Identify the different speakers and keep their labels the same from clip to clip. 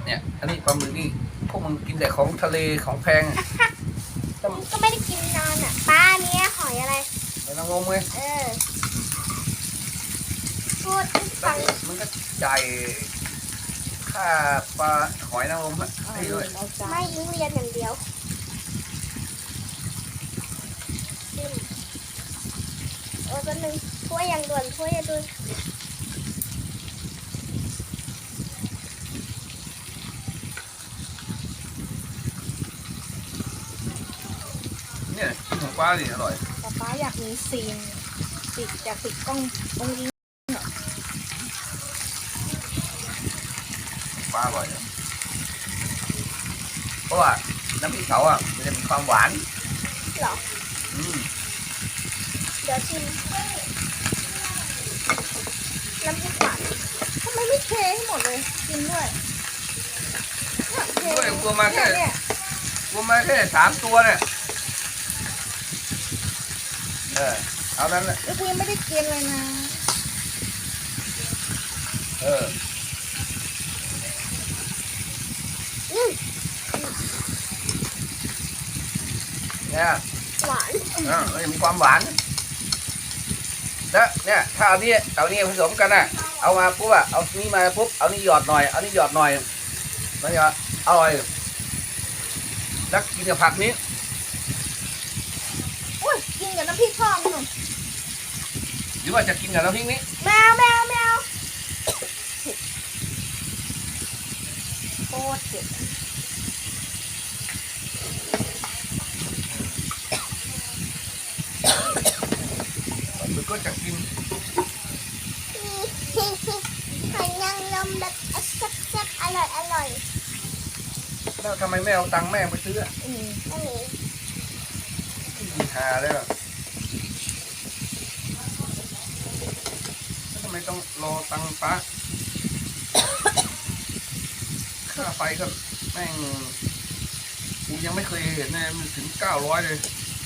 Speaker 1: เนี่ยอันนี้ปลาหมึกนี่พวกมึงกินแต่ของทะเลของแพง
Speaker 2: ก็ไม่ได้กินนานอ่ะป้าเนี้ยหอยอะไร
Speaker 1: ไอ้นางงมไง
Speaker 2: พูดให้ฟัง
Speaker 1: มันก็จ่ายค่าปลาหอยนางรมให้ด้วย
Speaker 2: ไม่ยิงเรียนอย่างเดียวตัวหนึ่งถ้วยอย่างด่วนถ้วยอย่างด่วน
Speaker 1: เนี่ยกินของปลาดิอร่อย
Speaker 3: แต่ป้าอยากมีซีนอยากติดกล้องตรงนี้
Speaker 1: ปลาอร่อยอะเพราะว่าน้ำพริกเขาอ่ะมันจะมีความหวาน
Speaker 2: เหรอ
Speaker 1: อืม
Speaker 2: เดี๋ยวชิมน้ำพริกหวาน
Speaker 3: ทำไมไม่เทให้หมดเลยกินด้วยเท
Speaker 1: ด้วยกลัวมาแค่
Speaker 3: เนี่ย
Speaker 1: กลัวมาแค่3 ตัวเนี่ยเอานั้นนะ
Speaker 3: แล้วกูยังไม่ได้กินเลยนะ
Speaker 1: เนี่ย
Speaker 2: หวาน
Speaker 1: มันจะมีความหวานแล้วเนี่ยถ้าเอานี้ผสมกันน่ะเอามาปุ๊บอะเอานี้มาปุ๊บเอานี้หยอดหน่อยเอานี้หยอดหน่อยมันจะอร่อยแล้วกินกับผักนี้
Speaker 3: อุ้ยกินกับน้ำพริกทอดหนุ่ม
Speaker 1: หรือว่าจะกินกับน้ำพริกนี้
Speaker 2: แมวแมวแมว
Speaker 3: โคตรเผ็ด
Speaker 1: มันก็จะกิน
Speaker 2: หอยนางรมแบบแซ่บๆอร่อยอร่อย
Speaker 1: แล้วทำไมไม่เอาตังค์แม่ไปซื้ออะ
Speaker 2: อันนี้
Speaker 1: กินหาเลยอะแล้วทำไมต้องรอตังค์ป้า ค่าไฟก็แม่งกูยังไม่เคยเห็นเลยมันถึง900เลย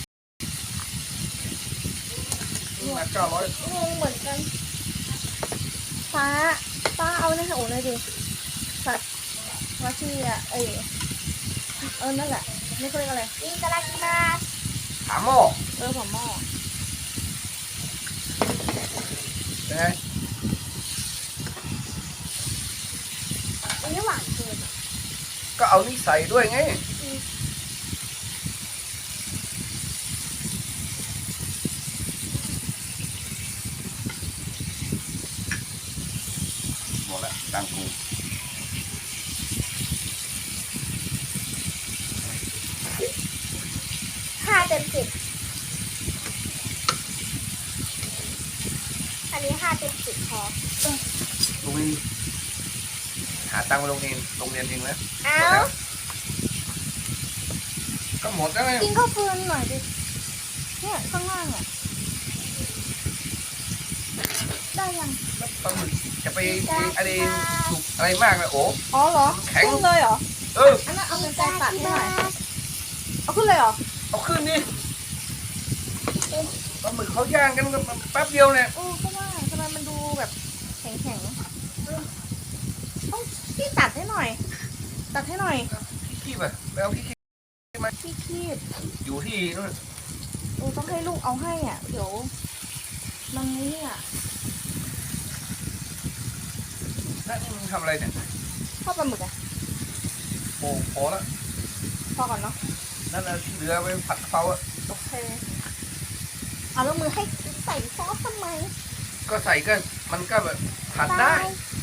Speaker 1: มา900
Speaker 3: งงเหมือนกันป้าเอาในหัวเลยดิสัตว์ว่าชื่ออะนั่นแหละไม่เขาเรียกอะไร
Speaker 2: いただきます
Speaker 1: ถามหม้อ
Speaker 3: ผมหม้อ
Speaker 1: เป็นไง
Speaker 2: อันนี้หวานเกิน
Speaker 1: ก็เอานี่ใส่ด้วยไงหมดละตังค์กู
Speaker 2: 5 เต็ม 10อันนี้5 เต็ม 10พอ
Speaker 1: ลุงนี่หาตังค์ไปโรงเรียนเองนะ
Speaker 2: เอ้า
Speaker 1: ก็หมดแล้วไง
Speaker 3: กินข้าวฟืนหน่อยดิเนี่ยข้างล่างอ่ะได้ยัง
Speaker 1: แล้วปลาหมึกจะไปอะไรสุกอะไรมากเลยโอ้
Speaker 3: อ๋อเหรอ
Speaker 1: แข็ง
Speaker 3: ขึ้นเลยเหรอ
Speaker 1: เออ
Speaker 3: อันนั้นเอาเป็นใจตัดให้หน่อยเอาขึ้นเลยเหรอ
Speaker 1: เอาขึ้นนี่ปลาหมึกเขาย่างกันแป๊บเดียวเนี่ย
Speaker 3: ก็ว่าทำไมมันดูแบบแข็งต้องพี่ตัดให้หน่อย ตัดให้หน่อย
Speaker 1: พี่คีบอะไปเอาพี่คีบ
Speaker 3: พี่คีบ
Speaker 1: อยู่ที่นู่น
Speaker 3: ต้องให้ลูกเอาให้อ่ะเดี๋ยวมันนี่อ่ะ
Speaker 1: นั่นมึงทำอะไรเนี่ย
Speaker 3: ทอดปลาหมึกอ่ะ
Speaker 1: โอ้พอแล้ว
Speaker 3: พอก่อนเนาะ
Speaker 1: นั่นน่ะที่เหลือไปผัดกะเพราอะ
Speaker 3: โอเคเอาแล้วมือให้ใส่ซอสทำไม
Speaker 1: ก็ใส่ก็มันก็แบบผัดได้
Speaker 3: ได้